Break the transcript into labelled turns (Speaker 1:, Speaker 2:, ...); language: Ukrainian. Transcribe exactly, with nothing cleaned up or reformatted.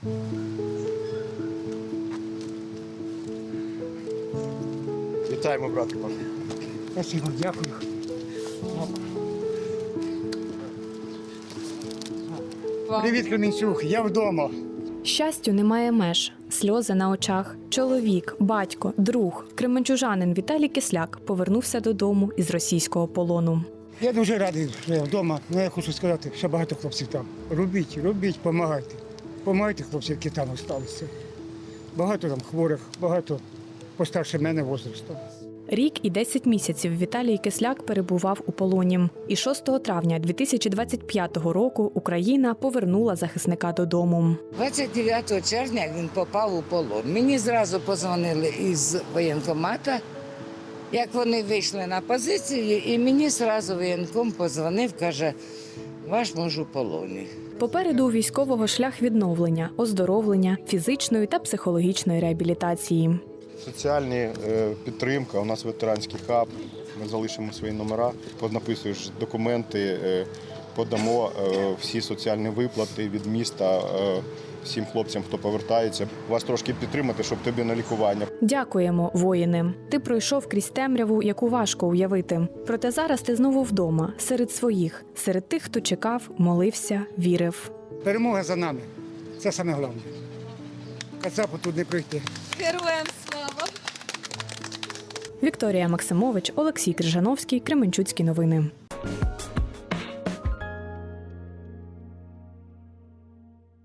Speaker 1: Вітаємо, братику.
Speaker 2: Спасибо, дякую. Привіт, Кременчук, я вдома.
Speaker 3: Щастю немає меж, сльози на очах. Чоловік, батько, друг, кременчужанин Віталій Кисляк повернувся додому із російського полону.
Speaker 2: Я дуже радий, що я вдома. Ну, я хочу сказати, що багато хлопців там. Робіть, робіть, допомагайте. Помагайте хлопців, які там залишилися. Багато там хворих, багато постарше мене возрасту.
Speaker 3: Рік і десять місяців Віталій Кисляк перебував у полоні. І шостого травня дві тисячі двадцять п'ятого року Україна повернула захисника додому.
Speaker 4: двадцять дев'ятого червня він попав у полон. Мені зразу позвонили із воєнкомата, як вони вийшли на позицію, і мені зразу воєнком позвонив, каже, ваш муж у полоні.
Speaker 3: Попереду у військового шлях відновлення, оздоровлення, фізичної та психологічної реабілітації.
Speaker 1: Соціальні е, підтримка, у нас ветеранський хаб, ми залишимо свої номера, поднаписуєш документи, е, подамо е, всі соціальні виплати від міста е, всім хлопцям, хто повертається. Вас трошки підтримати, щоб тобі на лікування.
Speaker 3: Дякуємо, воїни. Ти пройшов крізь темряву, яку важко уявити. Проте зараз ти знову вдома, серед своїх, серед тих, хто чекав, молився, вірив.
Speaker 2: Перемога за нами. Це саме головне. Кацапу тут не прийти.
Speaker 5: Героям слава!
Speaker 3: Вікторія Максимович, Олексій Крижановський, Кременчуцькі новини.